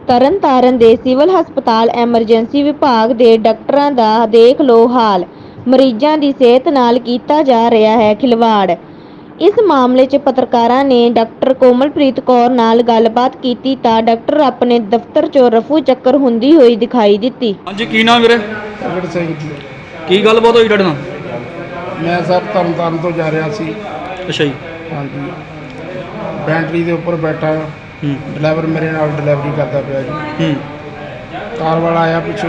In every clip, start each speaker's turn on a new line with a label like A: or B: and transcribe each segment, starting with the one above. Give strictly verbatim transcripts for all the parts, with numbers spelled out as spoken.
A: ਤਰਨਤਾਰਨ ਦੇ ਸਿਵਲ ਹਸਪਤਾਲ ਐਮਰਜੈਂਸੀ ਵਿਭਾਗ ਦੇ ਡਾਕਟਰਾਂ ਦਾ ਦੇਖ ਲਓ ਹਾਲ। ਮਰੀਜ਼ਾਂ ਦੀ ਸਿਹਤ ਨਾਲ ਕੀਤਾ ਜਾ ਰਿਹਾ ਹੈ ਖਿਲਵਾੜ। ਇਸ ਮਾਮਲੇ 'ਚ ਪੱਤਰਕਾਰਾਂ ਨੇ ਡਾਕਟਰ ਕੋਮਲਪ੍ਰੀਤ ਕੌਰ ਨਾਲ ਗੱਲਬਾਤ ਕੀਤੀ ਤਾਂ ਡਾਕਟਰ ਆਪਣੇ ਦਫ਼ਤਰ 'ਚੋਂ ਰਫੂ ਚੱਕਰ ਹੁੰਦੀ ਹੋਈ ਦਿਖਾਈ ਦਿੱਤੀ।
B: ਹਾਂਜੀ, ਕੀ ਨਾਮ ਵੀਰੇ?
C: ਪ੍ਰਗਟ ਸਿੰਘ ਜੀ।
B: ਕੀ ਗੱਲਬਾਤ ਹੋਈ ਤੁਹਾਡੇ ਨਾਲ?
C: ਮੈਂ ਸਰ ਤਰਨਤਾਰਨ ਤੋਂ ਜਾ ਰਿਹਾ ਸੀ।
B: ਅੱਛਾ ਜੀ।
C: ਹਾਂਜੀ, ਬੈਂਟਰੀ ਦੇ ਉੱਪਰ ਬੈਠਾ,
B: ਹੂੰ
C: ਡਰਾਈਵਰ ਮੇਰੇ ਨਾਲ ਡਿਲੀਵਰੀ ਕਰਦਾ ਪਿਆ ਜੀ।
B: ਹੂੰ
C: ਕਾਰ ਵਾਲਾ ਆਇਆ ਪਿੱਛੋਂ,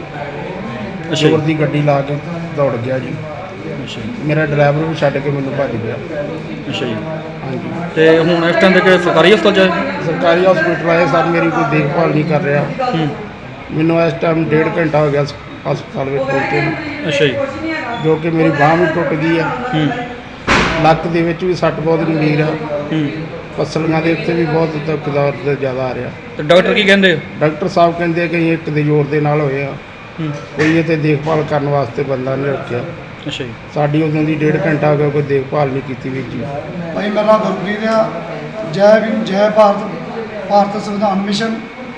B: ਅੱਛਾ
C: ਜ਼ੋਰ
B: ਜੀ।
C: ਦੀ ਗੱਡੀ ਲਾ ਕੇ ਦੌੜ ਗਿਆ ਜੀ।
B: ਅੱਛਾ ਜੀ।
C: ਮੇਰਾ ਡਰਾਈਵਰ ਵੀ ਛੱਡ ਕੇ ਮੈਨੂੰ ਭੱਜ ਗਿਆ।
B: ਅੱਛਾ ਜੀ।
C: ਹਾਂਜੀ,
B: ਤੇ ਹੁਣ ਇਸ ਟਾਈਮ ਤੇ ਕਿ ਸਰਕਾਰੀ ਹਸਪਤਾਲ 'ਚ ਹੈ?
C: ਸਰਕਾਰੀ ਹਸਪੀਟਲ ਆਏ ਸਰ, ਮੇਰੀ ਕੋਈ ਦੇਖਭਾਲ ਨਹੀਂ ਕਰ ਰਿਹਾ।
B: ਹੂੰ
C: ਮੈਨੂੰ ਇਸ ਟਾਈਮ ਡੇਢ ਘੰਟਾ ਹੋ ਗਿਆ ਹਸਪਤਾਲ ਵਿੱਚ ਪਹੁੰਚੇ ਨੂੰ,
B: ਅੱਛਾ ਜੀ।
C: ਜੋ ਕਿ ਮੇਰੀ ਬਾਂਹ ਵੀ ਟੁੱਟ ਗਈ ਆ।
B: ਹੂੰ
C: ਲੱਕ ਦੇ ਵਿੱਚ ਵੀ ਸੱਟ ਬਹੁਤ ਗੰਭੀਰ ਆ।
B: ਹੂੰ
C: ਪਸਲੀਆਂ ਦੇ ਉੱਤੇ ਵੀ ਬਹੁਤ ਤਕਦਾਰ ਤੇ ਜ਼ਿਆਦਾ ਆ ਰਿਹਾ।
B: ਤੇ ਡਾਕਟਰ ਕੀ ਕਹਿੰਦੇ?
C: ਡਾਕਟਰ ਸਾਹਿਬ ਕਹਿੰਦੇ ਕਿ ਅਸੀਂ ਇੱਕ ਦੇ ਜ਼ੋਰ ਦੇ ਨਾਲ ਹੋਏ ਆ,
B: ਹੂੰ
C: ਕੋਈ ਇੱਥੇ ਦੇਖਭਾਲ ਕਰਨ ਵਾਸਤੇ ਬੰਦਾ ਨਹੀਂ ਰੱਖਿਆ।
B: ਅੱਛਾ ਜੀ।
C: ਸਾਡੀ ਉਦੋਂ ਦੀ ਡੇਢ ਘੰਟਾ ਹੋ ਗਿਆ, ਕੋਈ ਦੇਖਭਾਲ ਨਹੀਂ ਕੀਤੀ ਵੀਰ ਜੀ।
D: ਭਾਈ ਮੇਰਾ ਨਾਮ ਗੁਰਪ੍ਰੀਤ ਆ। ਜੈ ਭੀਮ ਜੈ ਭਾਰਤ, ਭਾਰਤ ਸੰਵਿਧਾਨ ਮਿਸ਼ਨ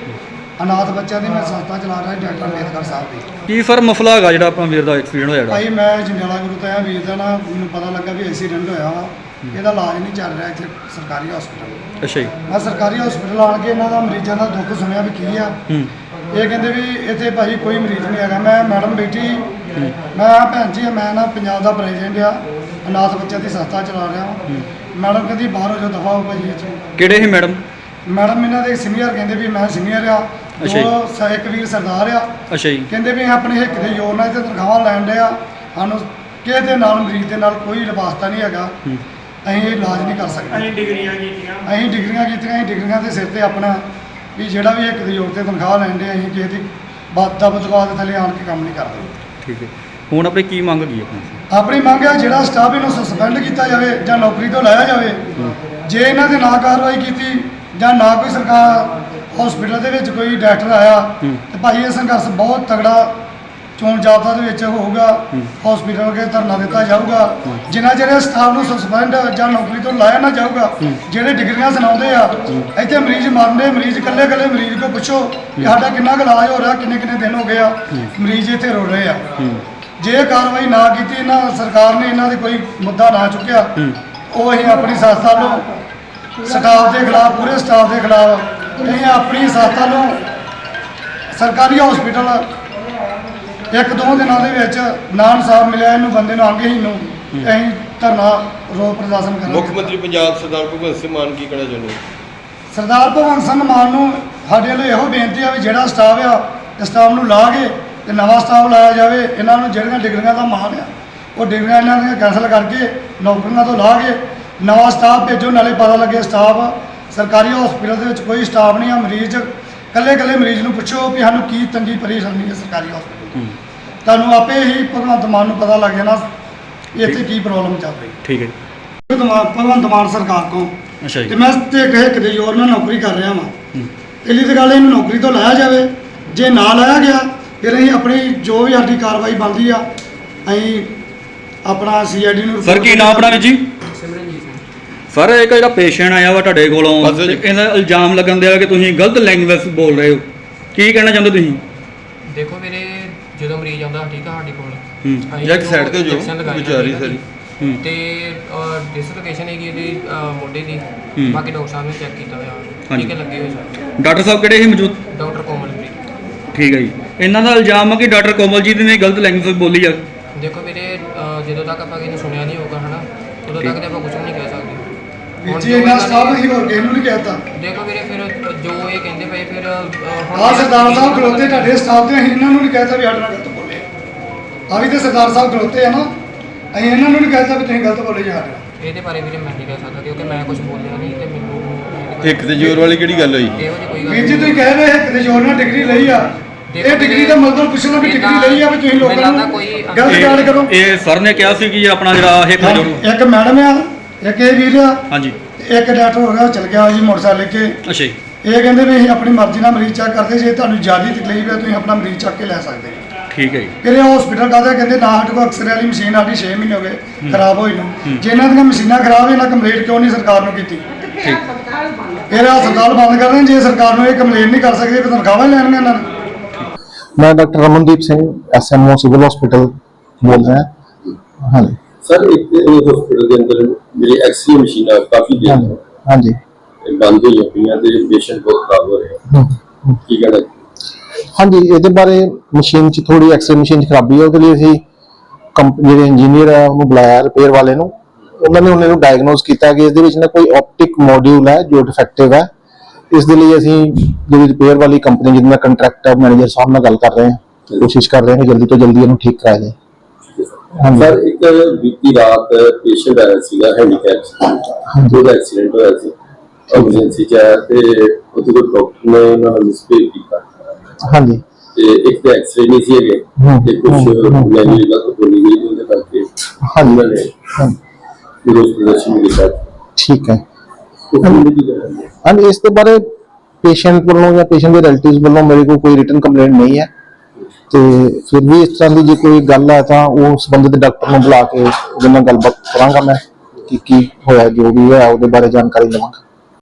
D: ਅਨਾਥ ਬੱਚਿਆਂ ਦੀ ਮੈਂ ਸੰਸਥਾ ਚਲਾ ਰਿਹਾ ਡਾਕਟਰ ਅੰਬੇਦਕਰ ਸਾਹਿਬ ਦੀ।
B: ਕੀ ਸਰ ਮਸਲਾ ਹੈਗਾ ਜਿਹੜਾ ਆਪਣਾ ਵੀਰ ਦਾ ਐਕਸੀਡੈਂਟ ਹੋਇਆ ਜਿਹੜਾ?
D: ਭਾਈ ਮੈਂ ਜੰਡਿਆਲਾ ਗੁਰੂ ਤੋਂ ਆਇਆ ਵੀਰ ਦਾ ਨਾ, ਮੈਨੂੰ ਪਤਾ ਲੱਗਾ ਵੀ ਐਕਸੀਡੈਂਟ ਹੋਇਆ ਵਾ। ਇਹਦਾ ਇਲਾਜ ਨਹੀਂ ਚੱਲ ਰਿਹਾ ਇੱਥੇ ਸਰਕਾਰੀ ਹਸਪੀਟਲ।
B: ਅੱਛਾ ਜੀ।
D: ਮੈਂ ਸਰਕਾਰੀ ਹਸਪੀਟਲ ਆਣ ਕੇ ਇਹਨਾਂ ਦਾ ਮਰੀਜ਼ਾਂ ਦਾ ਦੁੱਖ ਸੁਣਿਆ ਵੀ ਕੀ ਆ।
B: ਹੂੰ
D: ਇਹ ਕਹਿੰਦੇ ਵੀ ਇੱਥੇ ਭਾਈ ਕੋਈ ਮਰੀਜ਼ ਨਹੀਂ ਹੈਗਾ। ਮੈਂ ਮੈਡਮ ਬੈਠੀ, ਮੈਂ ਆ ਭੈਣ ਜੀ ਮੈਂ ਨਾ ਪੰਜਾਬ ਦਾ ਪ੍ਰੈਜ਼ੀਡੈਂਟ ਆ, ਅਨਾਥ ਬੱਚਿਆਂ ਦੀ ਸੰਸਥਾ ਚਲਾ ਰਿਹਾ ਹਾਂ। ਮੈਡਮ ਕਹਿੰਦੀ ਬਾਹਰ ਹੋ ਜਾਓ, ਦਫਾ ਹੋ ਭਾਜੀ ਇਹ 'ਚ।
B: ਕਿਹੜੇ ਸੀ ਮੈਡਮ?
D: ਮੈਡਮ ਇਹਨਾਂ ਦੇ ਸੀਨੀਅਰ ਕਹਿੰਦੇ ਵੀ ਮੈਂ ਸੀਨੀਅਰ ਆ,
B: ਅੱਛਾ ਜੀ।
D: ਦੋ ਸ- ਇੱਕ ਵੀਰ ਸਰਦਾਰ ਆ।
B: ਅੱਛਾ ਜੀ।
D: ਕਹਿੰਦੇ ਵੀ ਆਪਣੇ ਹਿੱਕ ਦੇ ਜ਼ੋਰ ਨਾਲ ਇੱਥੇ ਤਨਖਾਹਾਂ ਲੈਣ ਡਿਆ, ਸਾਨੂੰ ਕਿਸੇ ਦੇ ਨਾਲ ਮਰੀਜ਼ ਦੇ ਨਾਲ ਕੋਈ ਵਾਸਤਾ ਨਹੀਂ ਹੈਗਾ।
B: ਹੂੰ
D: ਅਸੀਂ ਇਹ ਇਲਾਜ ਨਹੀਂ ਕਰ ਸਕਦੇ।
E: ਅਸੀਂ ਡਿਗਰੀਆਂ ਕੀਤੀਆਂ
D: ਅਸੀਂ ਡਿਗਰੀਆਂ ਕੀਤੀਆਂ, ਅਸੀਂ ਡਿਗਰੀਆਂ ਦੇ ਸਿਰ ਤੇ ਆਪਣਾ ਵੀ ਜਿਹੜਾ ਵੀ ਹਿੱਕ ਦੇ ਜ਼ੋਰ ਤੇ ਤਨਖਾਹ ਲੈਣ ਦੇ, ਅਸੀਂ ਕਿਸੇ ਦੀ ਬਾਤ ਦਾ ਬਦਲਾਅ ਦੇ ਥੱਲੇ ਆਣ ਕੇ ਕੰਮ ਨਹੀਂ ਕਰਦੇ।
B: ਠੀਕ ਹੈ। ਹੁਣ ਆਪਣੀ ਕੀ ਮੰਗ ਕੀ ਆਪਣੀ?
D: ਆਪਣੀ ਮੰਗ ਹੈ ਜਿਹੜਾ ਸਟਾਫ ਇਹਨੂੰ ਸਸਪੈਂਡ ਕੀਤਾ ਜਾਵੇ ਜਾਂ ਨੌਕਰੀ ਤੋਂ ਲਾਇਆ ਜਾਵੇ। ਜੇ ਇਹਨਾਂ ਦੇ ਨਾ ਕਾਰਵਾਈ ਕੀਤੀ ਜਾਂ ਨਾ ਕੋਈ ਸਰਕਾਰ ਹਸਪੀਟਲ ਦੇ ਵਿੱਚ ਕੋਈ ਡਾਕਟਰ ਆਇਆ
B: ਹੂੰ।
D: ਤੇ ਭਾਈ ਇਹ ਸੰਘਰਸ਼ ਬਹੁਤ ਤਗੜਾ ਚੋਣ ਜਾਬਤਾ ਦੇ ਵਿੱਚ ਹੋਊਗਾ। ਹਸਪੀਟਲ ਕੇ ਧਰਨਾ ਦਿੱਤਾ ਜਾਊਗਾ। ਜਿੰਨਾ ਚਿਰ ਸਟਾਫ ਨੂੰ ਸਸਪੈਂਡ ਜਾਂ ਨੌਕਰੀ ਤੋਂ ਲਾਇਆ ਨਾ ਜਾਊਗਾ, ਜਿਹੜੇ ਡਿਗਰੀਆਂ ਸੁਣਾਉਂਦੇ ਆ ਇੱਥੇ ਮਰੀਜ਼ ਮਰਦੇ, ਮਰੀਜ਼ ਇਕੱਲੇ ਇਕੱਲੇ ਮਰੀਜ਼ ਕੋ ਪੁੱਛੋ ਕਿ ਸਾਡਾ ਕਿੰਨਾ ਕੁ ਇਲਾਜ ਹੋ ਰਿਹਾ, ਕਿੰਨੇ ਕਿੰਨੇ ਦਿਨ ਹੋ ਗਏ ਆ, ਮਰੀਜ਼ ਇੱਥੇ ਰੋ ਰਹੇ ਆ। ਜੇ ਇਹ ਕਾਰਵਾਈ ਨਾ ਕੀਤੀ, ਇਹਨਾਂ ਸਰਕਾਰ ਨੇ ਇਹਨਾਂ ਦੇ ਕੋਈ ਮੁੱਦਾ ਨਾ ਚੁੱਕਿਆ, ਉਹ ਅਸੀਂ ਆਪਣੀ ਸੰਸਥਾ ਨੂੰ ਸਟਾਫ ਦੇ ਖਿਲਾਫ, ਪੂਰੇ ਸਟਾਫ ਦੇ ਖਿਲਾਫ ਅਸੀਂ ਆਪਣੀ ਸੰਸਥਾ ਨੂੰ ਸਰਕਾਰੀ ਹਸਪੀਟਲ ਇੱਕ ਦੋ ਦਿਨਾਂ ਦੇ ਵਿੱਚ ਨਾ ਇਨਸਾਫ ਮਿਲਿਆ ਇਹਨੂੰ ਬੰਦੇ ਨੂੰ ਅੰਗਹੀਨ ਨੂੰ, ਅਸੀਂ ਧਰਨਾ ਰੋਸ ਪ੍ਰਦਰਸ਼ਨ ਕਰਾਂਗੇ।
F: ਮੁੱਖ ਮੰਤਰੀ ਪੰਜਾਬ ਸਰਦਾਰ ਭਗਵੰਤ ਸਿੰਘ ਮਾਨ ਕੀ ਕਹਿਣਾ ਚਾਹੁੰਦੇ?
D: ਸਰਦਾਰ ਭਗਵੰਤ ਸਿੰਘ ਮਾਨ ਨੂੰ ਸਾਡੇ ਵੱਲੋਂ ਇਹੋ ਬੇਨਤੀ ਆ ਵੀ ਜਿਹੜਾ ਸਟਾਫ ਆ, ਇਸ ਸਟਾਫ ਨੂੰ ਲਾ ਕੇ ਤੇ ਨਵਾਂ ਸਟਾਫ ਲਾਇਆ ਜਾਵੇ। ਇਹਨਾਂ ਨੂੰ ਜਿਹੜੀਆਂ ਡਿਗਰੀਆਂ ਦਾ ਮਾਣ ਆ, ਉਹ ਡਿਗਰੀਆਂ ਇਹਨਾਂ ਦੀਆਂ ਕੈਂਸਲ ਕਰਕੇ ਨੌਕਰੀਆਂ ਤੋਂ ਲਾ ਕੇ ਨਵਾਂ ਸਟਾਫ ਭੇਜੋ। ਨਾਲੇ ਪਤਾ ਲੱਗੇ ਸਟਾਫ ਸਰਕਾਰੀ ਹਸਪੀਟਲ ਦੇ ਵਿੱਚ ਕੋਈ ਸਟਾਫ ਨਹੀਂ ਆ, ਮਰੀਜ਼ ਇਕੱਲੇ ਇਕੱਲੇ ਮਰੀਜ਼ ਨੂੰ ਪੁੱਛੋ ਵੀ ਸਾਨੂੰ ਕੀ ਤੰਗੀ ਪਰੇਸ਼ਾਨੀ ਹੈ ਸਰਕਾਰੀ ਹਸਪੀਟਲ। ਤੁਹਾਨੂੰ ਆਪੇ ਹੀ ਭਗਵੰਤ ਮਾਨ ਨੂੰ ਪਤਾ ਲੱਗ ਜਾਣਾ ਇੱਥੇ ਕੀ ਪ੍ਰੋਬਲਮ ਚੱਲ ਰਹੀ।
B: ਠੀਕ ਹੈ।
D: ਭਗਵੰਤ ਭਗਵੰਤ ਮਾਨ ਸਰਕਾਰ ਕੋਲ
B: ਅੱਛਾ
D: ਤੇ
B: ਜੀ।
D: ਮੈਂ ਤੇ ਕਹੇ ਕਿਤੇ ਜ਼ੋਰ ਨਾਲ ਨੌਕਰੀ ਕਰ ਰਿਹਾ ਵਾਂ।
B: ਹੂੰ
D: ਪਹਿਲੀ ਤਾਂ ਗੱਲ ਇਹਨੂੰ ਨੌਕਰੀ ਤੋਂ ਲਾਇਆ ਜਾਵੇ। ਜੇ ਨਾ ਲਾਇਆ ਗਿਆ ਫਿਰ ਅਸੀਂ ਆਪਣੀ ਜੋ ਵੀ ਸਾਡੀ ਕਾਰਵਾਈ ਬਣਦੀ ਆ, ਅਸੀਂ ਆਪਣਾ ਸੀ ਆਈ ਡੀ ਨੂੰ।
B: ਸਰ ਕੀ ਨਾਮ ਆਪਣਾ ਵੀਰ ਜੀ? ਸਰ ਇੱਕ ਜਿਹੜਾ ਪੇਸ਼ੈਂਟ ਆਇਆ ਵਾ ਤੁਹਾਡੇ ਕੋਲੋਂ
F: ਬਸ
B: ਤੇ
F: ਜੀ।
B: ਇਹਦਾ ਇਲਜ਼ਾਮ ਲੱਗਣ ਦਿਆ ਕਿ ਤੁਸੀਂ ਗਲਤ ਲੈਂਗੁਏਜ ਬੋਲ ਰਹੇ ਹੋ, ਕੀ ਕਹਿਣਾ ਚਾਹੁੰਦੇ ਤੁਸੀਂ?
E: ਦੇਖੋ ਵੀਰੇ, ਜਦੋਂ ਮਰੀਜ਼ ਆਉਂਦਾ ਠੀਕ ਆ ਸਾਡੇ ਕੋਲ,
B: ਹੂੰ
E: ਅਸੀਂ
F: ਜਾਂ ਇੱਕ
E: ਉਹਨੂੰ
F: side ਤੇ ਜੋ
E: injection ਲਗਾਈ
F: ਵਿਚਾਰੀ
E: ਜਾਂਦੀ
F: ਸਾਰੀ।
B: ਹੂੰ
E: ਤੇ ਡਿਸਲੋਕੇਸ਼ਨ ਹੈਗੀ ਇਹਦੀ ਅਹ, ਮੋਢੇ ਦੀ।
B: ਹੂੰ।
E: ਬਾਕੀ ਡਾਕਟਰ ਸਾਹਿਬ ਨੇ ਚੈੱਕ ਕੀਤਾ ਹੋਇਆ,
B: ਹਾਂਜੀ।
E: ਠੀਕ ਹੈ, ਲੱਗੇ ਹੋਏ ਸਰ।
B: ਡਾਕਟਰ ਸਾਹਿਬ ਕਿਹੜੇ ਸੀ ਮੌਜੂਦ?
E: ਡਾਕਟਰ ਕੋਮਲਪ੍ਰੀਤ।
B: ਠੀਕ ਹੈ ਜੀ। ਇਹਨਾਂ ਦਾ ਇਲਜ਼ਾਮ ਹੈ ਕਿ ਡਾਕਟਰ ਕੋਮਲਜੀਤ ਨੇ ਗਲਤ ਲੈਂਗੁਏਜ ਬੋਲੀ ਆ।
E: ਦੇਖੋ ਵੀਰੇ, ਅਹ, ਜਦੋਂ ਤੱਕ ਆਪਾਂ ਕਿਸੇ ਨੂੰ ਸੁਣਿਆ ਨਹੀਂ ਹੋਊਗਾ ਹਨਾ, ਉਦੋਂ ਤੱਕ ਤੇ ਆਪਾਂ ਕੁਝ ਨਹੀਂ ਕਹਿ ਸਕਦੇ।
D: ਵੀ
E: ਹੁਣ
D: ਜੇ
E: ਜੋ
D: ਇਹਨਾਂ
E: ਇਹਨਾਂ
D: ਸਟਾਫ
E: ਨੇ-
D: ਹੀ ਹੋਰ ਕਿਸੇ ਨੂੰ ਨਹੀਂ ਕਹਿਤਾ।
E: ਦੇਖੋ ਵੀਰੇ, ਫਿਰ ਜੋ ਇਹ ਕਹਿੰਦੇ ਪਏ ਫਿਰ ਅਹ, ਹੁਣ
D: ਆਹ ਸਰਦਾਰ ਸਾਹਿਬ ਖਲੋਤੇ ਤੁਹਾਡੇ ਸਟਾਫ ਦੇ, ਅਸੀਂ ਇਹਨਾਂ ਨੂੰ ਨਹੀਂ ਕਹਿਤਾ ਵੀ ਸਾਡੇ ਨਾਲ ਗਲਤ ਬੋਲੇ। ਆ ਵੀ ਤੇ ਸਰਦਾਰ ਸਾਹਿਬ ਖਲੋਤੇ ਆ ਨਾ, ਅਸੀਂ ਇਹਨਾਂ ਨੂੰ ਨਹੀਂ ਕਹਿਤਾ ਵੀ ਤੁਸੀਂ ਗਲਤ ਬੋਲੇ ਜੀ ਸਾਡੇ ਨਾਲ।
E: ਇਹਦੇ ਬਾਰੇ ਵੀਰੇ ਮੈਂ ਨਹੀਂ ਕਹਿ ਸਕਦਾ ਕਿਉਂਕਿ ਮੈਂ ਕੁਝ ਬੋਲਿਆ ਨਹੀਂ ਤੇ ਮੈਨੂੰ
F: ਇੱਕ ਤੇ ਜ਼ੋਰ ਵਾਲੀ ਕਿਹੜੀ ਗੱਲ ਹੋਈ?
E: ਇਹੋ ਜਿਹੀ ਕੋਈ ਗੱਲ
D: ਵੀਰ ਜੀ ਤੁਸੀਂ ਕਹਿ ਰਹੇ ਇੱਕ ਦੇ ਜ਼ੋਰ ਨਾਲ ਡਿਗਰੀ ਲਈ ਆ, ਇਹ ਡਿਗਰੀ ਦਾ ਮਤਲਬ ਪੁੱਛਣਾ ਵੀ ਡਿਗਰੀ ਲਈ ਆ ਵੀ ਤੁਸੀਂ ਲੋਕਾਂ ਨੂੰ ਗਲਤ ਗੱਲ ਕਰੋ।
B: ਇਹ ਸਰ ਨੇ ਕਿਹਾ ਸੀ ਕਿ ਆਪਣਾ ਜਿਹੜਾ ਇਹ
D: ਹਾਂ, ਇੱਕ ਮੈਡਮ ਆ, ਇੱਕ ਇਹ ਵੀਰ ਆ,
B: ਹਾਂਜੀ।
D: ਤੇ ਇੱਕ ਡਾਕਟਰ ਹੋ ਗਿਆ, ਉਹ ਚਲ ਗਿਆ ਜੀ ਮੋਟਰਸਾਈਕਲ ਲੈ ਕੇ।
B: ਅੱਛਾ ਜੀ।
D: ਇਹ ਕਹਿੰਦੇ ਵੀ ਅਸੀਂ ਆਪਣੀ ਮਰਜ਼ੀ ਨਾਲ ਮਰੀਜ਼ ਚੈੱਕ ਕਰਦੇ, ਜੇ ਤੁਹਾਨੂੰ ਜ਼ਿਆਦਾ ਤਕਲੀਫ ਹੈ ਤੁਸੀਂ ਆਪਣਾ ਮਰੀਜ਼ ਚੱਕ ਕੇ ਲੈ ਸਕਦੇ ਹੋ।
B: ਠੀਕ ਹੈ ਜੀ।
D: ਫਿਰ ਇਹ ਹਸਪੀਟਲ ਕਾਹਦਾ ਕਹਿੰਦੇ ਨਾ, ਸਾਡੇ ਕੋਲ ਐਕਸਰੇ ਵਾਲੀ ਮਸ਼ੀਨ ਸਾਡੀ ਛੇ ਮਹੀਨੇ ਹੋ ਗਏ ਖਰਾਬ ਹੋਈ ਨੂੰ। ਜੇ ਇਹਨਾਂ ਦੀਆਂ ਮਸ਼ੀਨਾਂ ਖਰਾਬ, ਇਹਨਾਂ ਕੰਪਲੀਟ ਕਿਉਂ ਨਹੀਂ ਸਰਕਾਰ ਨੂੰ ਕੀਤੀ?
B: ਠੀਕ।
D: ਫਿਰ ਹਸਪਤਾਲ ਬੰਦ ਕਰ ਦੇਣ। ਜੇ ਸਰਕਾਰ ਨੂੰ ਇਹ ਕੰਪਲੇਨ ਨਹੀਂ ਕਰ ਸਕਦੇ ਫਿਰ ਤਨਖਾਹਾਂ ਹੀ ਲੈਣਗੇ ਇਹਨਾਂ ਨੇ।
G: मैं doctor Ramandeep Singh S M O civil hospital बोल रहे हैं। हाँ जी
F: ਸਰ ਇੱਕ ਹਸਪੀਟਲ ਦੇ ਅੰਦਰ ਜਿਹੜੀ ਐਕਸਰੇ ਮਸ਼ੀਨਾਂ ਕਾਫੀ
G: हाँ
F: ਦੇਰ
G: जी हाँ जी
F: ਤੋਂ ਬੰਦ ਹੋਈਆਂ ਪਈਆਂ ਤੇ ਪੇਸ਼ੈਂਟ ਬਹੁਤ ਖਰਾਬ ਹੋ ਰਹੇ ਆ।
G: हम्म,
F: ਕੀ ਕਹਿਣਾ?
G: हाँ जी ਇਹਦੇ ਬਾਰੇ ਮਸ਼ੀਨ 'ਚ ਥੋੜੀ ਐਕਸਰੇ ਮਸ਼ੀਨ 'ਚ ਖਰਾਬੀ ਹੈ, ਉਹਦੇ ਲਈ ਅਸੀਂ ਕੰਪ ਜਿਹੜੇ ਇੰਜੀਨੀਅਰ ਹੈ ਉਹਨੂੰ ਬੁਲਾਇਆ ਰਿਪੇਅਰ ਵਾਲੇ ਨੂੰ। ਉਹਨਾਂ ਨੇ ਉਹਨਾਂ ਨੂੰ ਡਾਇਗਨੋਸ ਕੀਤਾ ਕਿ ਇਸ ਦੇ ਵਿੱਚ ਨਾ ਕੋਈ ਆਪਟਿਕ ਮੋਡਿਊਲ ਹੈ ਜੋ ਡਿਫੈਕਟਿਵ ਹੈ। ਇਸ ਦੇ ਲਈ ਅਸੀਂ ਜਿਹੜੀ ਰਿਪੇਅਰ ਵਾਲੀ ਕੰਪਨੀ ਜਿਹਦੇ ਨਾਲ ਕੰਟਰੈਕਟ ਹੈ ਮੈਨੇਜਰ ਸਾਹਿਬ ਨਾਲ ਗੱਲ ਕਰ ਰਹੇ ਹਾਂ ਤੇ ਕੋਸ਼ਿਸ਼ ਕਰ ਰਹੇ ਹਾਂ ਕਿ ਜਲਦੀ ਤੋਂ ਜਲਦੀ ਇਹਨੂੰ ਠੀਕ ਕਰਾਇਆ ਜਾਏ। ਹਾਂਜੀ
F: ਸਰ ਇੱਕ ਬੀਤੀ ਰਾਤ ਪੇਸ਼ੈਂਟ ਆਇਆ ਸੀਗਾ ਹੈਂਡੀਕੈਪ, ਉਹਦਾ ਐਕਸੀਡੈਂਟ ਹੋਇਆ ਸੀ, ਐਮਰਜੈਂਸੀ ਚ ਆਇਆ ਤੇ ਉੱਥੇ ਕੋਈ ਡਾਕਟਰ ਨੇ ਉਹਨਾਂ ਨੂੰ ਮਿਸਪੇਕ ਕੀਤਾ
G: ਹਾਂਜੀ
F: ਤੇ ਇੱਕ ਤੇ ਐਕਸਰੇ ਨਹੀਂ ਸੀ ਹੈਗੇ ਤੇ ਕੁਝ ਮੈਨੂਅਲ ਦਾ ਕੋਈ ਨਹੀਂ ਗਈ ਉਹਦੇ ਕਰਕੇ
G: ਹਾਂਜੀ
F: ਉਹਨਾਂ ਨੇ
G: ਹਾਂਜੀ,
F: ਵਿਰੋਧ ਪ੍ਰਦਰਸ਼ਨ ਕੀਤਾ।
G: ਠੀਕ ਹੈ।
F: ਉਹ ਕੀ ਕਰਾਂਗੇ?
G: ਹਾਂਜੀ ਇਸ ਦੇ ਬਾਰੇ ਪੇਸ਼ੈਂਟ ਵੱਲੋਂ ਜਾਂ ਪੇਸ਼ੈਂਟ ਦੇ ਰਿਲੇਟਿਵਸ ਵੱਲੋਂ ਮੇਰੇ ਕੋਲ ਕੋਈ ਰਿਟਨ ਕੰਪਲੇਂਟ ਨਹੀਂ ਹੈ ਤੇ ਫਿਰ ਵੀ ਇਸ ਤਰ੍ਹਾਂ ਦੀ ਜੇ ਕੋਈ ਗੱਲ ਹੈ ਤਾਂ ਉਹ ਸੰਬੰਧਿਤ ਡਾਕਟਰ ਨੂੰ ਬੁਲਾ ਕੇ ਉਹਦੇ ਨਾਲ ਗੱਲਬਾਤ ਕਰਾਂਗਾ ਮੈਂ ਕਿ ਕੀ ਹੋਇਆ, ਜੋ ਵੀ ਹੋਇਆ ਉਹਦੇ ਬਾਰੇ ਜਾਣਕਾਰੀ ਲਵਾਂਗਾ।